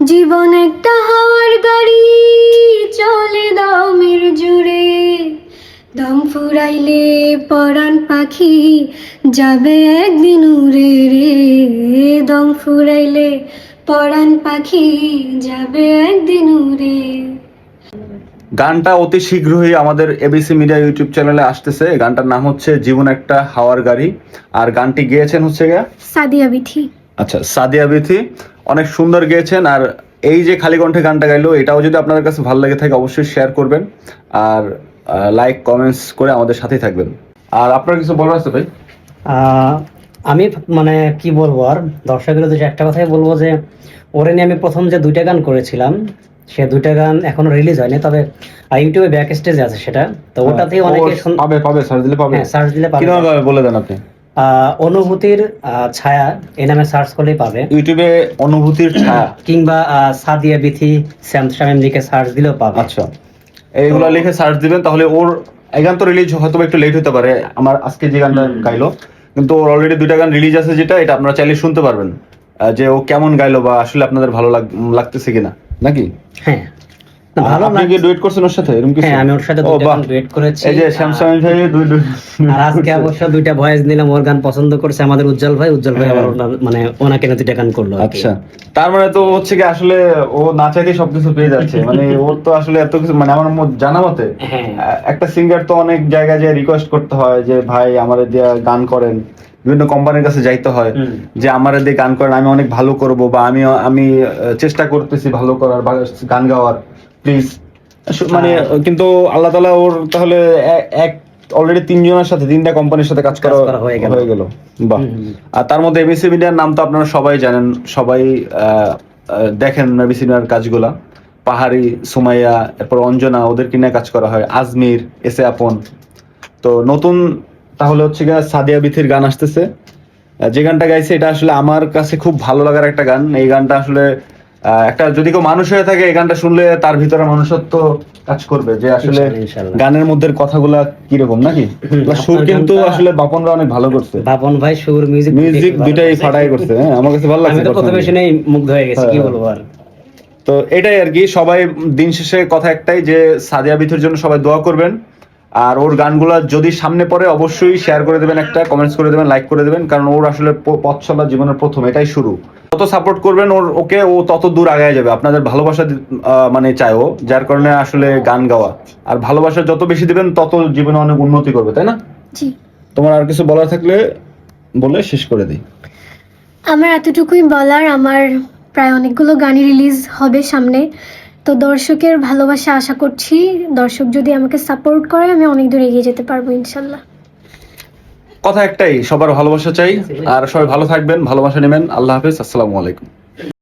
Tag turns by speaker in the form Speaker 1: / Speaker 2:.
Speaker 1: জীবন একটা হাওয়ার গাড়ি, চলে দমের জুড়ে। দম ফুরাইলে পরাণ পাখি যাবে একদিন উড়ে রে। দম ফুরাইলে পরাণ পাখি যাবে একদিন উড়ে।
Speaker 2: গানটা অতি শীঘ্রই আমাদের এবিসি মিডিয়া ইউটিউব চ্যানেলে আসতেছে। গানটার নাম হচ্ছে জীবন একটা হাওয়ার গাড়ি, আর গানটি গেয়েছেন হচ্ছে
Speaker 1: সাদিয়া বিথি।
Speaker 2: আচ্ছা, সাদিয়া বিথি অনেক সুন্দর গেয়েছেন। আর এই যে খালি কণ্ঠে গানটা গাইলো, এটাও যদি আপনাদের কাছে ভালো লেগে থাকে অবশ্যই শেয়ার করবেন আর লাইক কমেন্টস করে আমাদের সাথেই থাকবেন। আর আপনার কিছু বলার আছে ভাই?
Speaker 3: আমি মানে কি বলবো, আর দর্শকের উদ্দেশ্যে একটা কথাই বলবো যে ওরে নিয়ে আমি প্রথম যে 2টা গান করেছিলাম, সে 2টা গান এখনো রিলিজ হয়নি, তবে ইউটিউবে ব্যাক স্টেজে আছে সেটা। তো ওটাতেই অনেকে
Speaker 2: পাবে সার্চ দিলে পাবে।
Speaker 3: হ্যাঁ, সার্চ দিলে পাবে।
Speaker 2: কিভাবে বলে দেন আপনি?
Speaker 3: অনুভূতির ছায়া এই নামে সার্চ করলেই পাবে
Speaker 2: ইউটিউবে অনুভূতির ছায়া
Speaker 3: কিংবা সাদিয়া বিথি শ্যাম শামীম লিখে সার্চ দিলেও পাবে।
Speaker 2: আচ্ছা, এইগুলো লিখে সার্চ দিবেন, তাহলে ওর এই গান তো রিলিজ হয়তো একটু লেট হতে পারে আমার আজকে যে গানটা গাইলো, কিন্তু ওর অলরেডি 2টা গান রিলিজ আছে, যেটা এটা আপনারা চাইলে শুনতে পারবেন যে ও কেমন গাইলো বা আসলে আপনাদের ভালো লাগতেছে কিনা, নাকি?
Speaker 3: হ্যাঁ, ভালো
Speaker 2: আপনি কি ডুয়েট করছেন ওর সাথে? এরকম কিছু?
Speaker 3: হ্যাঁ, আমি ওর সাথে 2টা গান ডুয়েট করেছি।
Speaker 2: এই যে শ্যামসামী ভাই
Speaker 3: আর আজকে অবশ্য 2টা ভয়েস নিলাম। ওর গান পছন্দ করছে আমাদের উজ্জ্বল ভাই আবার মানে ওনাকে না 2টা গান করলো।
Speaker 2: আচ্ছা, তার মানে তো হচ্ছে কি আসলে ও না চাইতেই সবকিছু পেয়ে যাচ্ছে। মানে ওর তো আসলে এত কিছু, মানে আমার জানা মতে একটা সিঙ্গার তো অনেক জায়গায় যে রিকোয়েস্ট করতে হয় যে ভাই আমাদের দিয়ে গান করেন, বিভিন্ন কোম্পানির কাছে যাইতে হয় যে আমারে দিয়ে গান করেন, আমি অনেক ভালো করব, বা আমি চেষ্টা করতেছি ভালো করার বা গান গাওয়ার, প্লিজ। মানে কিন্তু আল্লাহ তাআলা ওর তাহলে এক অলরেডি 3জনের সাথে 3টা কোম্পানির সাথে কাজ করা হয়ে গেল। বাহ। আর তার মধ্যে এবিসি মিডিয়ার নাম তো আপনারা সবাই জানেন, সবাই দেখেন এবিসি মিডিয়ার কাজগুলা। পাহাড়ি, সুমাইয়া, এরপর অঞ্জনা, ওদেরকে নিয়ে কাজ করা হয়, আজমির, এসে আপন। তো নতুন তাহলে হচ্ছে গিয়ে সাদিয়া বিথির গান আসতেছে। যে গানটা গাইছে এটা আসলে আমার কাছে খুব ভালো লাগার একটা গান। এই গানটা আসলে একটা, যদি কেউ মানুষ হয়ে থাকে এই গানটা শুনলে তার ভিতরে মানুষত্ব কাজ করবে, যে আসলে গানের মধ্যে কথাগুলা কিরকম, নাকি? সুর কিন্তু আসলে বাপনরা অনেক ভালো করছে।
Speaker 3: বাপন ভাই সুর, মিউজিক
Speaker 2: দুইটাই ফাটাই করছে। হ্যাঁ, আমার কাছে ভালো লাগছে।
Speaker 3: আমি তো প্রথমে শুনেই মুগ্ধ হয়ে গেছি, কি বলবো আর।
Speaker 2: তো এটাই আর কি, সবাই দিন শেষে কথা একটাই যে সাদিয়া বিথির জন্য সবাই দোয়া করবেন। আর ওর গানগুলা যদি সামনে পড়ে অবশ্যই শেয়ার করে দেবেন, একটা কমেন্টস করে দেবেন, লাইক করে দেবেন, কারণ ওর আসলে পথ চলা জীবনের প্রথম, এটাই শুরু। যত সাপোর্ট করবেন ওকে, ও তত দূর আগায় যাবে। আপনাদের ভালোবাসা মানে চাই ও, যার কারণে আসলে গান গাওয়া। আর ভালোবাসা যত বেশি দিবেন তত জীবনে অনেক উন্নতি করবে, তাই না?
Speaker 1: জি।
Speaker 2: তোমার আর কিছু বলার থাকলে বলে শেষ করে দিই।
Speaker 1: আমার এতটুকুই বলার, আমার প্রায় অনেকগুলো গানই রিলিজ হবে সামনে। তো দর্শকের ভালোবাসা আশা করছি, দর্শক যদি আমাকে সাপোর্ট করে আমি অনেক দূর এগিয়ে যেতে পারবো ইনশাল্লাহ।
Speaker 2: কথা একটাই, সবার ভালোবাসা চাই। আর সবাই ভালো থাকবেন, ভালোবাসা নেবেন। আল্লাহ হাফেজ, আসসালামু আলাইকুম।